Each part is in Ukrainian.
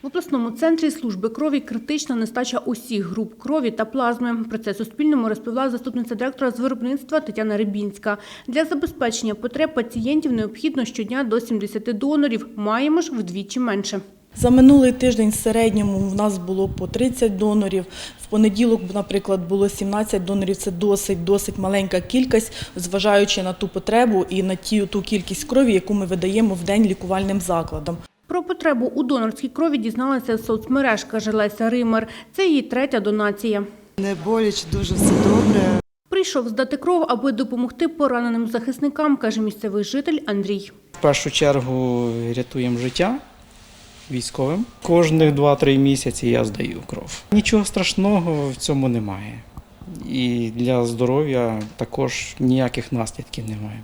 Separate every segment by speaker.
Speaker 1: В обласному центрі служби крові критична нестача усіх груп крові та плазми. Про це Суспільному розповіла заступниця директора з виробництва Тетяна Рибінська. Для забезпечення потреб пацієнтів необхідно щодня до 70 донорів. Маємо ж вдвічі менше.
Speaker 2: За минулий тиждень в середньому в нас було по 30 донорів. В понеділок, наприклад, було 17 донорів. Це досить маленька кількість, зважаючи на ту потребу і на ту кількість крові, яку ми видаємо в день лікувальним закладам.
Speaker 1: Про потребу у донорській крові дізналася з соцмереж, каже Леся Римар. Це її третя донація.
Speaker 3: Не боляче, дуже все добре.
Speaker 1: Прийшов здати кров, аби допомогти пораненим захисникам, каже місцевий житель Андрій.
Speaker 4: В першу чергу рятуємо життя військовим. Кожних 2-3 місяці я здаю кров. Нічого страшного в цьому немає. І для здоров'я також ніяких наслідків немає.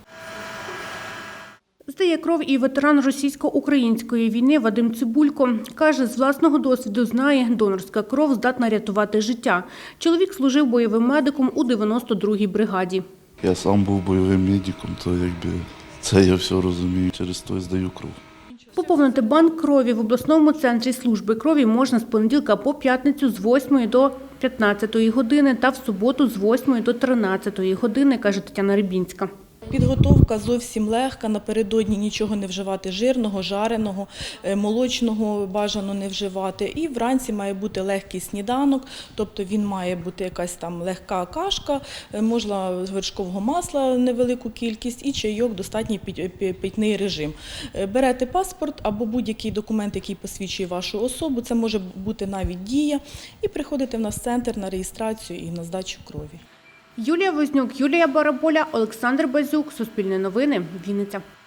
Speaker 1: Здає кров і ветеран російсько-української війни Вадим Цибулько. Каже, з власного досвіду знає, донорська кров здатна рятувати життя. Чоловік служив бойовим медиком у 92-й бригаді.
Speaker 5: Я сам був бойовим медиком, то це я все розумію, через то і здаю кров.
Speaker 1: Поповнити банк крові в обласному центрі служби крові можна з понеділка по п'ятницю з 8 до 15 години та в суботу з 8 до 13 години, каже Тетяна Рибінська.
Speaker 2: Підготовка зовсім легка, напередодні нічого не вживати жирного, жареного, молочного бажано не вживати. І вранці має бути легкий сніданок, тобто він має бути якась там легка кашка, можна вершкового масла невелику кількість і чайок, достатній питний режим. Берете паспорт або будь-який документ, який посвідчує вашу особу, це може бути навіть дія, і приходите в нас в центр на реєстрацію і на здачу крові.
Speaker 1: Юлія Вознюк, Юлія Бараболя, Олександр Базюк. Суспільне новини. Вінниця.